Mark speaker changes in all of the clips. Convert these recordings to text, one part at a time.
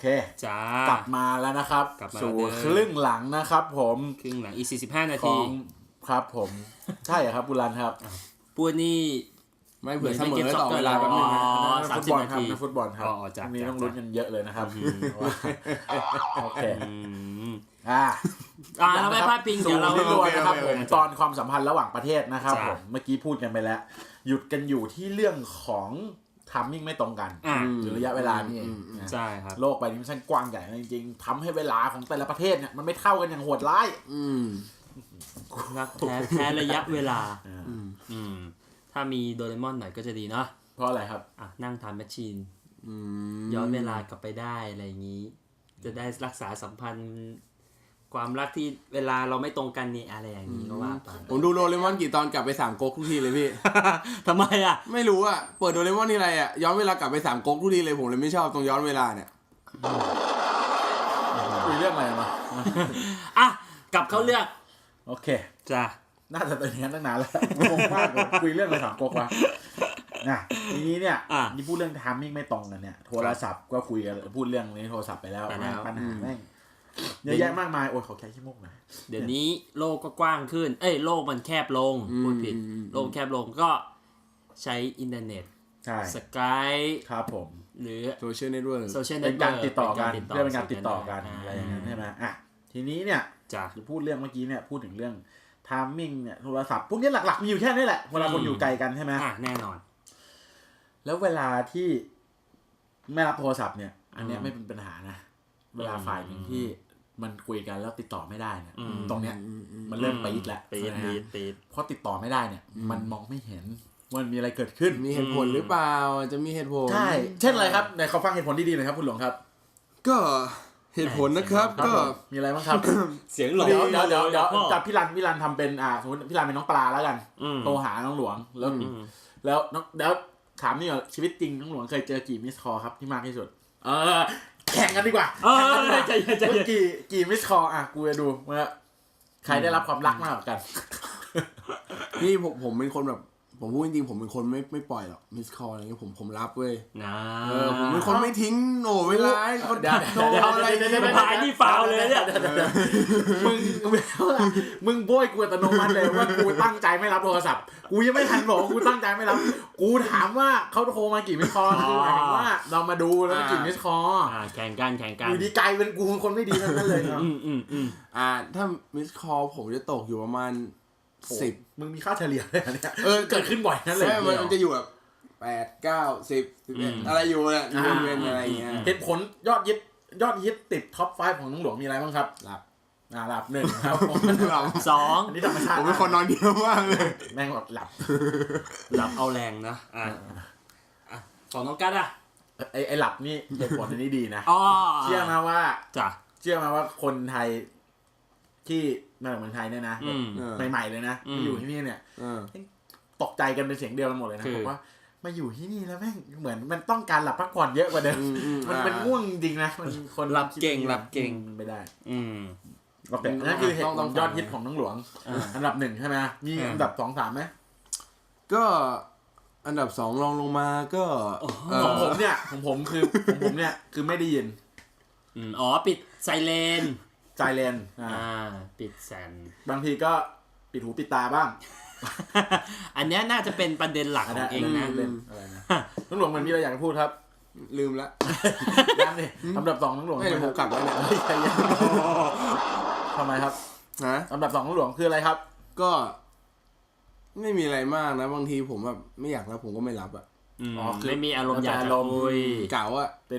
Speaker 1: เค
Speaker 2: จ้าก
Speaker 1: ลับมาแล้วนะครับสู่ครึ่งหลังนะครับผม
Speaker 2: ครึ่งหลังอีก45นาที
Speaker 1: ครับผมใช่ครับบุรันครับ
Speaker 2: พูดนี่
Speaker 3: ไม่เผื่อเสมอต่อเวลาแป๊บนึง
Speaker 1: ฟุตบอลครับในฟุตบอลครับมีต้องลุ้นกันเยอะเลยนะครับโอเค
Speaker 2: เราไม่พลาดพิงเดี๋ยวเรา
Speaker 1: ไม่รู้นะครับผมตอนความสัมพันธ์ระหว่างประเทศนะครับผมเมื่อกี้พูดกันไปแล้วหยุดกันอยู่ที่เรื่องของทัมมิ่งไม่ตรงกันหรือระยะเวลานี่เอง
Speaker 2: ใช่ครับ
Speaker 1: โลกใบนี้มันช่างกว้างใหญ่จริงๆทำให้เวลาของแต่ละประเทศเนี่ยมันไม่เท่ากันอย่างโหดร้าย
Speaker 2: แพ้ระยะเวลาถ้ามีโดเรมอนหน่อยก็จะดีเนาะ
Speaker 1: เพราะอะไรครับ
Speaker 2: นั่งทำแมชชีนย้อนเวลากลับไปได้อะไรอย่างนี้จะได้รักษาสัมพันธ์ความรักที่เวลาเราไม่ตรงกันนี่อะไรอย่างนี้ก็ว่าไป
Speaker 3: ผมดูโดเรมอนกี่ตอนกลับไป3ก๊กทุกทีเลยพี่
Speaker 2: ทำไม
Speaker 3: ไม่รู้เปิดโดเรมอนที่ไรย้อนเวลากลับไป3ก๊กทุกทีเลยผมเลยไม่ชอบตรงย้อนเวลาเนี่ย
Speaker 1: คุยเรื่องอะไรมา
Speaker 2: กลับเข้าเรื่อง
Speaker 1: โอเค
Speaker 2: จ้ะ
Speaker 1: น่าจะเป็นอย่างนั้นตั้งนานแล้วงงมากเลยคุยเรื่องอะไร3ก๊กวะทีนี้เนี่ยนี่พูดเรื่องไทมิ่งไม่ตรงกันเนี่ยโทรศัพท์ก็คุยกันพูดเรื่องนี้โทรศัพท์ไปแล้วปัญหาแม่งเยอะแยะมากมายโอ้ยขอแค่ขี้มุกหน่อย
Speaker 2: เดี๋ยวนี้โลกก็กว้างขึ้นโลกมันแคบลงพูดผิดโลกแคบลงก็ใช้อินเทอร์เน็ตสกาย
Speaker 1: ครับผม
Speaker 2: หรือ
Speaker 3: โซเชียลเน็ตเวิร์ก
Speaker 1: เป็นการติดต่อกันเพื่อเป็นการติดต่อกันอะไรอย่างนั้นใช่ไหมทีนี้เนี่ยจะพูดเรื่องเมื่อกี้เนี่ยพูดถึงเรื่องไทมิ่งเนี่ยโทรศัพท์พวกนี้หลักๆมีอยู่แค่นี้แหละเวลาคนอยู่ไกลกันใช่ไหม
Speaker 2: แน่นอน
Speaker 1: แล้วเวลาที่ไม่รับโทรศัพท์เนี่ยอันนี้ไม่เป็นปัญหานะเวลาฝ่ายหนึ่งที่มันคุยกันแล้วติดต่อไม่ได้เนี่ยตรงเนี้ยมันเริ่มปี๊ดแล้วเพราะติดต่อไม่ได้เนี่ยมันมองไม่เห็นว่ามันมีอะไรเกิดขึ้น
Speaker 3: มีเหตุผลหรือเปล่าจะมีเหตุผล
Speaker 1: ใช่เช่นอะไรครับไหนขอฟังเหตุผลดีๆหน่อยครับคุณหลวงครับ
Speaker 3: ก็เหตุผลนะครับก็
Speaker 1: มีอะไรบ้างครับ
Speaker 2: เสียงหลง
Speaker 1: เดี๋ยวจับพี่รันทำเป็นสมมติพี่รันเป็นน้องปลาแล้วกันโทรหาน้องหลวงแล้วถามนี่ก่อนชีวิตจริงน้องหลวงเคยเจอกี่มิสคอลครับที่มากที่สุดแข่งกันดีกว่ากี่มิสคอลกูจะดูว่าใครได้รับความรักมากกว่ากัน
Speaker 3: นี่ผมเป็นคนแบบผมพูดจริงๆผมเป็นคนไม่ปล่อยหรอกมิสคอลอะไรเงี้ยผมรับเว้ยผมเป็นคนไม่ทิ้งเวลาเขาโทรอะไร
Speaker 2: พายนี่ฟาวเลยเนี่ย
Speaker 1: มึงโบยกูอัตโนมัติเลยว่ากูตั้งใจไม่รับโทรศัพท์กูยังไม่ทันบอกกูตั้งใจไม่รับกูถามว่าเขาโทรมากี่มิสคอลคือหมายถึงว่าเรามาดูแล้วกี่มิสคอล
Speaker 2: แข่งกัน
Speaker 1: อยู่ดีใจเป็นกูคนไม่ดีนั่นเลย
Speaker 3: ถ้ามิสคอลผมจะตกอยู่ประมาณ10
Speaker 1: มึงมีค่าเฉลี่ยเลยเนี่ยเกิดขึ้นบ่อยนั่นเลย
Speaker 3: มันจะอยู่แบบ8 9 10 11อะไรอยู่เนี่ยเว้นอะไรอย่างเงี้ย
Speaker 1: เหตุผลยอดฮิตติดท็อป 5 ของน้องหลวงมีอะไรบ้างครับหลับ1ครับ
Speaker 2: 2
Speaker 1: อันนี้ธรรมชาติ
Speaker 3: ผมเป็นคนนอนเดียวมากเลย
Speaker 1: แม่งห
Speaker 2: ลับเอาแรงนะของน้องกั๊ด
Speaker 1: ไอ้หลับนี่เหตุผลอันนี้ดีนะเชื่อมาว่าคนไทยที่มาจากเมืองไทยเนี่ยนะใหม่ๆเลยนะมาอยู่ที่นี่เนี่ยตกใจกันเป็นเสียงเดียวกันหมดเลยนะบอกว่ามาอยู่ที่นี่แล้วแม่งเหมือนมันต้องการหลับพักผ่อนเยอะกว่าเดิมมันเป็นง่วงจริงนะมันคน
Speaker 2: หลับเก่ง
Speaker 1: ไม่ได้โอเคนั่นคือเหตุผลยอดฮิตของน้องหลวงอันดับ1ใช่ไหมมีอันดับ2 3ไหม
Speaker 3: ก็อันดับ2รองลงมาก็
Speaker 1: ของผมเนี่ยคือไม่ได้ยิน
Speaker 2: ปิดไซเรนปิดแซน
Speaker 1: บางทีก็ปิดหูปิดตาบ้าง
Speaker 2: อันนี้น่าจะเป็นประเด็นหลักของเองนะ
Speaker 1: อะไรนะน้องหลวงมันมีอะไรอยากจะพูดครับ
Speaker 3: ลืมละ
Speaker 1: ยังนี่อันดับ2น้องหลวง
Speaker 3: ไม่ผมกลับแล้วเนี่ย
Speaker 1: ทำไมครับอันดับ2น้องหลวงคืออะไรครับ
Speaker 3: ก็ไม่มีอะไรมากนะบางทีผมแบบไม่อยากรับผมก็ไม่รับ
Speaker 2: คือไม่มีอารมณ์อยากจะคุย
Speaker 3: เก่า
Speaker 1: เป็น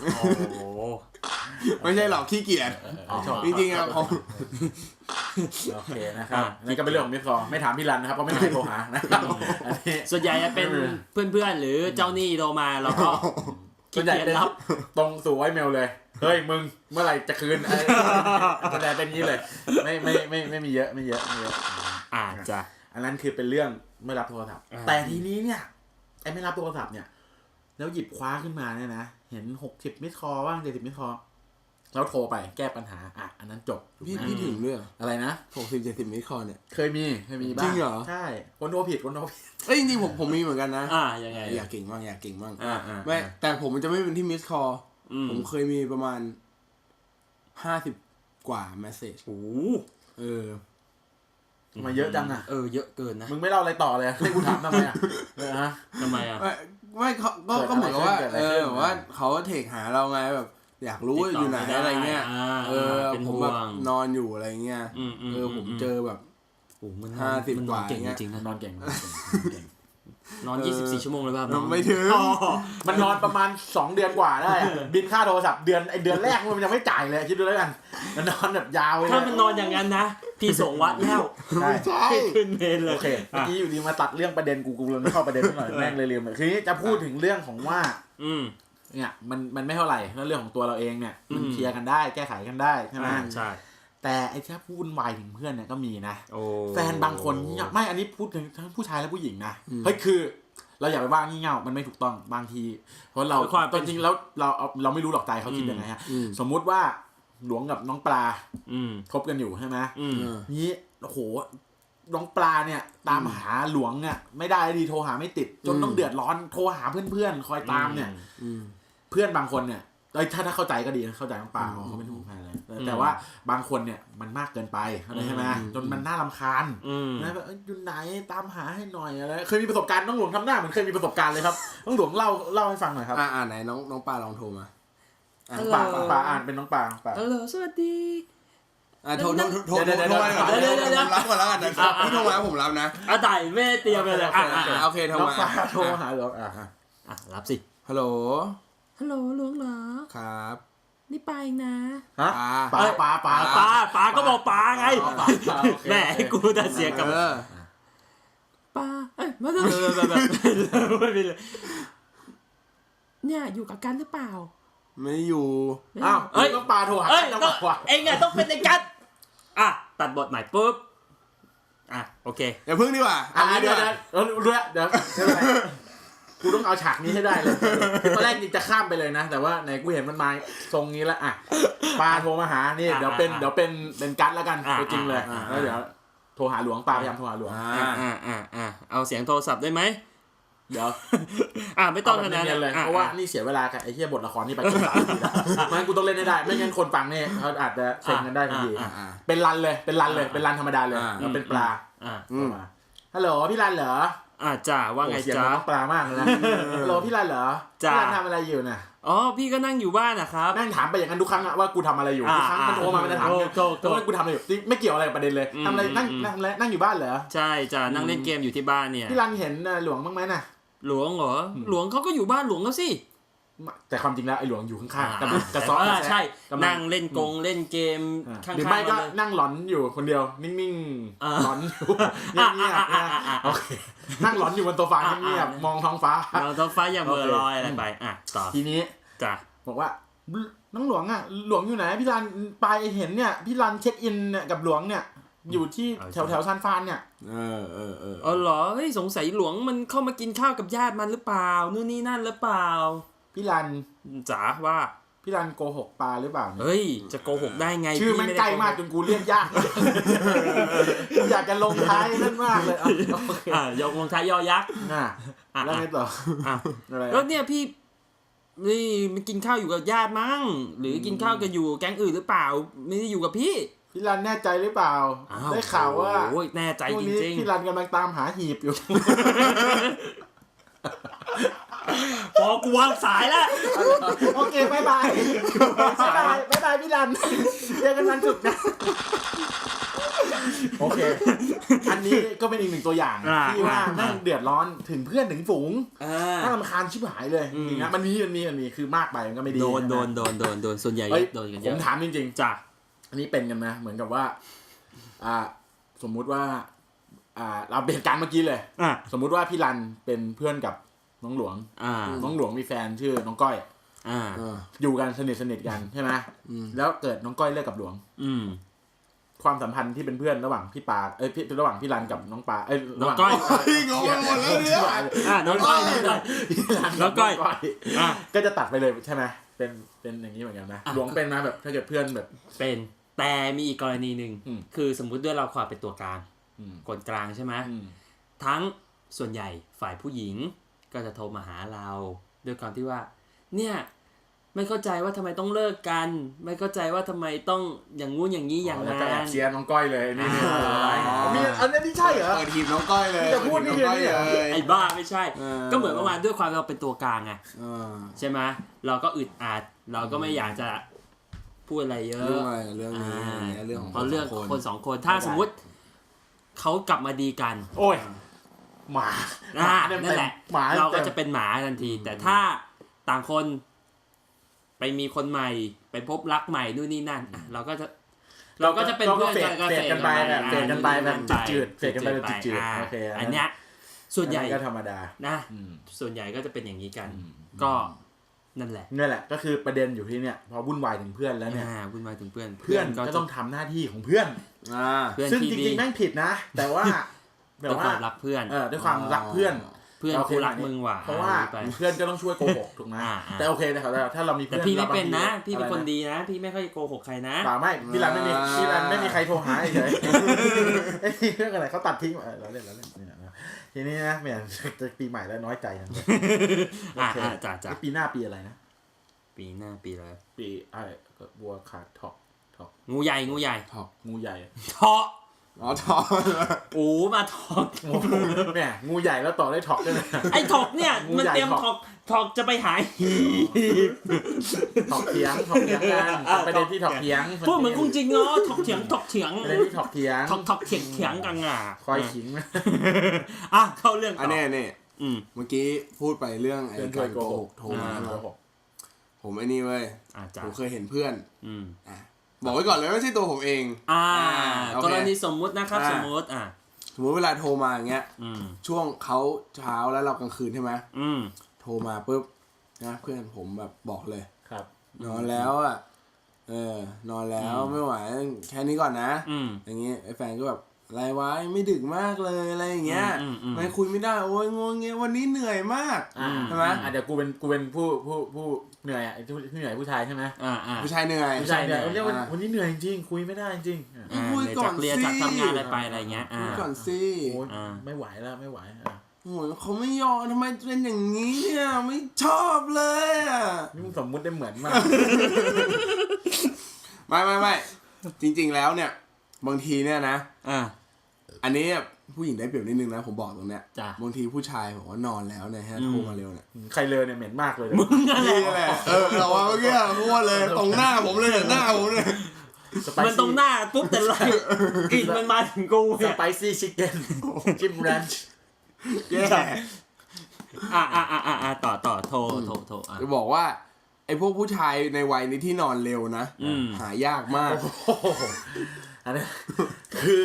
Speaker 3: ไม่ใช่หรอกขี้เกียจจริงๆผม
Speaker 1: โอเคนะครับนี่ก็เป็นเรื่องของมิสคอลไม่ถามพี่รันนะครับเพราะไม่มีใครโทรหานะครับ
Speaker 2: ส่วนใหญ่จะเป็นเพื่อนๆหรือเจ้าหนี้โทรมาเราก็
Speaker 1: ขี้เกียจรับตรงสู่ไอเมลเลยเฮ้ยมึงเมื่อไหร่จะคืนอะไรเป็นนี้เลยไม่มีเยอะ
Speaker 2: จ้ะ
Speaker 1: อันนั้นคือเป็นเรื่องไม่รับโทรศัพท์แต่ทีนี้เนี่ยไอ้ไม่รับโทรศัพท์เนี่ยแล้วหยิบคว้าขึ้นมาเนี่ยนะเห็น60มิสคอลบ้าง70มิสคอลแล้วโทรไปแก้ปัญหาอันนั้นจบ
Speaker 3: พี่ถึงเรื่อง
Speaker 1: อะไรนะ
Speaker 3: 60-70มิสคอลเนี่ย
Speaker 1: เคยมีบ้าง
Speaker 3: จริงเหรอ
Speaker 1: ใช่คนโทรผิด
Speaker 3: จริงๆผมมีเหมือนกันนะ
Speaker 2: ยังไง
Speaker 3: อยากเก่งมากไม่แต่ผมมันจะไม่เป็นที่มิสคอลผมเคยมีประมาณ50กว่าเมสเสจ
Speaker 1: มาเยอะจังอะ
Speaker 2: เยอะเกินนะ
Speaker 1: มึงไม่เล่าอะไรต่อเลยให้กูถามทำไมอะ
Speaker 2: ทำไมอะ
Speaker 3: ไม่ก็เหมือนกับว่าว่าเขาเทคหาเราไงแบบอยากรู้อยู่ไหนอะไรเงี้ยผมแบบนอนอยู่อะไรเงี้ยผมเจอแบบ50กว่า
Speaker 2: เก่งจริงๆนะนอนเก่งนอน24ชั่วโมงเลยป่ะ
Speaker 3: ไม่ถึง
Speaker 1: มันนอนประมาณ2เดือนกว่าได้บินค่าโทรศัพท์เดือนแรกมันยังไม่จ่ายเลยคิดดูแล้วกันมันนอนแบบยาวเลย
Speaker 2: ถ้ามันนอนอย่างนั้นนะพี่ส่งวัดแล้ว
Speaker 3: ใช่
Speaker 2: ขึ้นเมนเลย
Speaker 1: โอเคเมื่อกี้อยู่ดีมาตัดเรื่องประเด็นกูเลยไม่เข้าประเด็นหน่อยแม่งเลยลืมคือนี้จะพูดถึงเรื่องของว่าเนี่ยมันไม่เท่าไหร่แล้วเรื่องของตัวเราเองเนี่ยมันเคลียร์กันได้แก้ไขกันได้ใช่ไหม
Speaker 2: ใช่
Speaker 1: แต่ไอ้ที่พูดวุ่นวายถึงเพื่อนเนี่ยก็มีนะแฟนบางคนไม่อันนี้พูดถึงทั้งผู้ชายและผู้หญิงนะเฮ้ยคือเราอย่าไปว่างี่เง่ามันไม่ถูกต้องบางทีเพราะเราจริงๆแล้วเราไม่รู้หรอกใจเขาคิดยังไงฮะสมมุติว่าหลวงกับน้องปลาคบกันอยู่ใช่ไหมนี้โอ้โหน้องปลาเนี่ยตามหาหลวงเนี่ยไม่ได้ดีโทรหาไม่ติดจนต้องเดือดร้อนโทรหาเพื่อนๆคอยตามเนี่ยเพื่อนบางคนเนี่ยถ้าเข้าใจก็ดีนะเข้าใจน้องปลาเขาเป็นห่วงอะไรแต่ว่าบางคนเนี่ยมันมากเกินไปใช่ไหมจนมันน่ารำคาญนะแบบอยู่ไหนตามหาให้หน่อยอะไรเคยมีประสบการณ์น้องหลวงทำหน้าเหมือนเคยมีประสบการณ์เลยครับน้องหลวงเล่าให้ฟังหน่อยครับ
Speaker 3: ไหนน้องปลาลองโทรมา
Speaker 1: ปลาอ่านเป็นน้องปลา
Speaker 2: ฮัลโหลสวัสดี
Speaker 3: โทรมาก่อนรับก่อนแล้วกันพี่โทรมาผมรับนะ
Speaker 2: ได้ไม่เตรียมเลย
Speaker 3: โอเคโทรมา
Speaker 1: โทรหาหลวง
Speaker 2: รับสิ
Speaker 3: ฮัลโหล
Speaker 2: หลวงเหรอ
Speaker 3: ครับ
Speaker 2: นี่ปลาเองนะ
Speaker 1: ปลา
Speaker 2: ก็บอกปลาไงแม่กูจะเสียกับปลาไม่ต้องไม่เป็นไรเนี่ยอยู่กับกันหรือเปล่า
Speaker 3: ไม่อยู่
Speaker 1: ต้องปลาโทรหา
Speaker 2: เองต้องเป็นในกันตัดบทใหม่ปุ๊บโอเค
Speaker 3: อย่าพึ่งดีกว่า
Speaker 1: เดี๋ยวกูต้องเอาฉากนี้ให้ได้เลยตอนแรกนี่จะข้ามไปเลยนะแต่ว่าไหนกูเห็นมันมาทรงนี้แล้วปลาโทรมาหานี่เดี๋ยวเป็นกั๊ดแล้วกันตัวจริงเลยแล้วเดี๋ยวโทรหาหลวงปลาพยายามโทรหาหลวง
Speaker 2: เอาเสียงโทรศัพท์ได้ไหม
Speaker 1: เดี๋ยว
Speaker 2: ไม่ต้องขนาดนั้น
Speaker 1: เลยเพราะว่านี่เสียเวลากับไอ้เหี้ยบทละครนี่ไปจน3 นาทีแล้วมันกูต้องเล่นได้ไม่งั้นคนฟังเนี่ยเขาอาจจะเซ็งกันได้ทันทีเป็นรันเลยเป็นรันธรรมดาเลยแล้วเป็นปลาฮัลโหลพี่รันเหรอ
Speaker 2: จ้าว่าไงจ้า
Speaker 1: น้องปลามากเลยนะฮัลโหลพี่รันเหรอพี่รันทำอะไรอยู่น่ะ
Speaker 2: พี่ก็นั่งอยู่บ้านนะครับ
Speaker 1: นั่งถามไปอย่างนั้นทุกครั้งว่ากูทำอะไรอยู่ทุกครั้งมันโทรมามันจะถามว่ากูทำอะไรอยู่ไม่เกี่ยวอะไรกับประเด็นเลยทำอะไรนั่งอยู่บ้านเหรอ
Speaker 2: ใช่จ้านั่งเล่นเกมอยู่ที่บ้านเนี่ย
Speaker 1: พี่รันเห็นหลวงบ้างไหมน่ะ
Speaker 2: หลวงเหรอหลวงเขาก็อยู่บ้านหลวงเขาสิ
Speaker 1: แต่ความจริงแล้วไอ้หลวงอยู่ข้างๆกระซอ
Speaker 2: ใช่นั่งเล่นเล่นเกม
Speaker 1: ข้างๆหรือไม่ก็นั่งหลอนอยู่คนเดียวนิ่งๆหลอนอยู่เงียบๆโอเคนั่งหลอนอยู่บนโซฟาเงียบๆมองท้องฟ้าม
Speaker 2: องท้องฟ้าอย่าเบลอลอยอะไรไปต่อ
Speaker 1: ทีนี้
Speaker 2: จ้ะ
Speaker 1: บอกว่าน้องหลวงหลวงอยู่ไหนพี่รันไปเห็นเนี่ยพี่รันเช็คอินเนี่ยกับหลวงเนี่ยอยู่ที่แถวซานฟานเนี่ย
Speaker 2: เหรอเฮ้ยสงสัยหลวงมันเข้ามากินข้าวกับญาติมันหรือเปล่านู่นนี่นั่นหรือเปล่า
Speaker 1: พี่รัน
Speaker 2: จ๋าว่า
Speaker 1: พี่รันโกหกปลาหรือเปล่า
Speaker 2: เฮ้ยจะโกหกได้ไง
Speaker 1: ชื่อมันใกล้มากจนกูเรียกยากอยากจะลงท้ายนั่นมากเลย
Speaker 2: ยกลงท้ายยอยักษ์
Speaker 1: แล้วไงต่อ
Speaker 2: แล้วเนี่ยพี่นี่มันกินข้าวอยู่กับญาติมั้งหรือกินข้าวกันอยู่แก๊งอื่นหรือเปล่าไม่ได้อยู่กับพี่
Speaker 1: พี่รันแน่ใจหรือเปล่าได้ข่าวว่า
Speaker 2: แน่ใจจริง
Speaker 1: ๆพี่รันกำลังตามหาหีบอยู่
Speaker 2: พอกูวางสายแล้ว
Speaker 1: โอเคบ๊ายบายพี่รันเจอกันวันศุกร์นะโอเคอันนี้ก็เป็นอีกหนึ่งตัวอย่างที่ว่านั่งเดือดร้อนถึงเพื่อนถึงฝูงน่ารำคาญชิบหายเลยจริงนะมันมีคือมากไปมันก็ไม่ดี
Speaker 2: โดนส่วนใหญ่โดนกันเยอะ
Speaker 1: ผมถามจริง
Speaker 2: ๆจ้ะ
Speaker 1: อันนี้เป็นกันนะเหมือนกับว่าสมมุติว่าเราเปลี่ยนการเมื่อกี้เลยสมมุติว่าพี่รันเป็นเพื่อนกับน้องหลวงน้องหลวงมีแฟนชื่อน้องก้อยอยู่กันสนิทกันใช่ไหมแล้วเกิดน้องก้อยเลิกกับหลวงความสัมพันธ์ที่เป็นเพื่อนระหว่างพี่ปาระหว่างพี่รันกับน้องปา
Speaker 2: น้องก้อย
Speaker 3: งงหมดแล้วเนี่ย
Speaker 2: น้องก้อยน้องก้อย
Speaker 1: ก็จะตัดไปเลยใช่ไหมเป็นอย่างนี้เหมือนกันนะหลวงเป็นนะแบบถ้าเกิดเพื่อนแบบ
Speaker 2: เป็นแต่มีอีกกรณีหนึ่งคือสมมุติด้วยเราความเป็นตัวกลางคนกลางใช่ไหมทั้งส่วนใหญ่ฝ่ายผู้หญิงก็จะโทรมาหาเราด้วยความที่ว่าเนี่ยไม่เข้าใจว่าทำไมต้องเลิกกันไม่เข้าใจว่าทำไมต้องอย่างงู้นอย่างนี้อย่างนั้น
Speaker 1: แล้วก็แอบเชียร์น้องก้อยเลยนี่มีอันนี้ที่ใช่เหรอ
Speaker 3: ทีมน้องก้อยเลย
Speaker 1: จะพูดนี่เลย
Speaker 2: ไอ้บ้าไม่ใช่ก็เหมือนประมาณด้วยความเราเป็นตัวกลางไงใช่ไหมเราก็อึดอัดเราก็ไม่อยากจะพูดอะไรเยอะ
Speaker 3: เรื่องนี้เรื่องของ
Speaker 2: เรื่องคนสองคนถ้าสมมุติเขากลับมาดีกัน
Speaker 1: โอ้ยหมา
Speaker 2: นั่นแหละเราก็จะเป็นหมาทันทีแต่ถ้าต่างคนไปมีคนใหม่ไปพบรักใหม่นู่นนี่นั่นเราก็จะเป็นเพื่อน
Speaker 1: กันเฟดกันไปแบบจืดเฟดกันไปแบบจืดโอเค
Speaker 2: อันเนี้ยส่วนใหญ่
Speaker 1: ก็ธรรมดา
Speaker 2: นะส่วนใหญ่ก็จะเป็นอย่างนี้กันก็นั่นแหละ
Speaker 1: ก็คือประเด็นอยู่ที่เนี่ยพอวุ่นวายถึงเพื่อนแล้วเนี่ย
Speaker 2: วุ่นวายถึงเพื่อน
Speaker 1: ก็ต้องทำหน้าที่ของเพื่อนซึ่งจริงๆแม่งผิดนะแต่ว่า
Speaker 2: ด้วยความรักเพื่อน
Speaker 1: ด้วยความรักเพื่อน
Speaker 2: กูรักมึงว่ะ
Speaker 1: เพราะว่าเพื่อนก็ต้องช่วยโกหกถูกไหมแต่โอเคนะครับถ้าเรามีเพื่อน
Speaker 2: พี่ไม่เป็นนะพี่เป็นคนดีนะพี่ไม่ค่อยโกหกใครนะ
Speaker 1: ไม่พี่รันไม่มีใครโทรหาเฉยเรื่องอะไรเขาตัดทิ้งเราเล่นทีนี้นะแม่จะปีใหม่แล้วน้อยใจจังเลย
Speaker 2: จ้า
Speaker 1: ปีหน้าปีอะไรนะ
Speaker 2: ปีหน้าปีอะไร
Speaker 1: ปีบัวขาดถอก
Speaker 2: งูใหญ่
Speaker 1: ถอกงูใหญ่
Speaker 2: ถอก
Speaker 3: ถอก
Speaker 2: มาถอก
Speaker 1: เนี่ยงูใหญ่แล้วต่อได้ถอกด้วยนะ
Speaker 2: ไอ้ถอกเนี่ยมันเตรียมถอกจะไปหาย
Speaker 1: ถอกเถียงกันประเด็นที่ถอกเถียง
Speaker 2: พูดเหมือนจริงเนาะถอกเถียง
Speaker 1: ประเด็นที่ถอกเถียง
Speaker 2: กัน
Speaker 1: คอยขิง
Speaker 2: เข้าเรื่อง
Speaker 3: อันนี้เมื่อกี้พูดไปเรื่องไอ้การโกหกโทรมาผมไอ้นี่เว้ยผมเคยเห็นเพื่อนบอกไว้ก่อนเลยไม่ใช่ตัวผมเอง
Speaker 2: กรณีสมมุตินะครับสมมุติ
Speaker 3: เวลาโทรมาอย่างเงี้ยช่วงเขาเช้าแล้วเรากลางคืนใช่ไหมโทรมาปุ๊บนะเพื่อนผมแบบบอกเลย
Speaker 1: ครับ
Speaker 3: นอนแล้วนอนแล้วไม่ไหวแค่นี้ก่อนนะอย่างเงี้ยไอ้แฟนก็แบบอะไรวะไม่ดึกมากเลยอะไรอย่างเงี้ยไม่คุยไม่ได้โอ้ยงงเงี้ยวันนี้เหนื่อยมากใช่ไหม
Speaker 1: เดี๋ยวกูเป็นผู้เหนื่อยเหนื่อยผู้ชายใช่ไหม
Speaker 3: ผู้ชายเหนื่อย
Speaker 1: เรียกวันนี้เหนื่อยจริงคุยไม่ได้จริง
Speaker 3: คุยก่อนสิ
Speaker 2: จากทำงานอะไรไปอะไรเงี้ย
Speaker 3: คุยก่อนสิ
Speaker 1: ไม่ไหวแล้วไม่ไหว
Speaker 3: โอ้ยเขาไม่ยอมทำไมเป็นอย่างนี้เนี่ยไม่ชอบเลย
Speaker 1: นี่มึงสมมุติได้เหมือนมาก
Speaker 3: ไม่จริงๆแล้วเนี่ยบางทีเนี่ยนะอันนี้ผู้หญิงได้เปรียบนิดนึงนะผมบอกตรงเนี้ยบางทีผู้ชายบอกว่านอนแล้วเนี่ยฮะโทรมาเร็วเนี่ย
Speaker 1: ใครเลยเนี่ยเหม็นมากเลย
Speaker 2: มึงนั่นแหละ
Speaker 3: เราว่าเมื่อกี้พูดเลยตรงหน้าผมเลยหน้าผมเลย
Speaker 2: มันตรงหน้าปุ๊บแต่ไรกลิ่นมันมาถึงกู
Speaker 1: สไปซี่ชิคเก้นจิ้มแรนช์
Speaker 2: ต่อโทร
Speaker 3: จะบอกว่าไอ้พวกผู้ชายในวัยนี้ที่นอนเร็วนะหายากมาก
Speaker 1: อันนี้คือ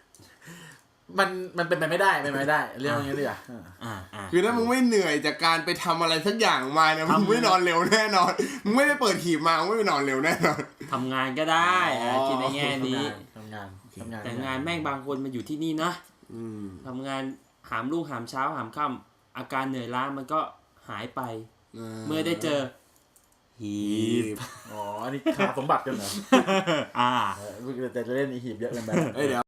Speaker 1: มันเป็นไปไม่ได้เรื่องอย่างนี้ดีกว่า
Speaker 3: คือถ้ามึงไม่เหนื่อยจากการไปทำอะไรสักอย่างมาเนี่ยมึงไม่นอนเร็วแน่นอนมึงไม่ได้เปิดหีบมามึงไม่ไปนอนเร็วแน่นอน
Speaker 2: ทำงานก็ได้คิดในแง่นี้
Speaker 1: ทำงาน
Speaker 2: แต่งานแม่งบางคนมันอยู่ที่นี่นะทำงานหามรุ่งหามเช้าหามค่ำอาการเหนื่อยล้ามันก็หายไปเมื่อได้เจอหีบ
Speaker 1: อันนี้ขาสมบัติกันเหรอแต่จะเล่นหีบเยอะเกินไป
Speaker 3: เดี๋ยว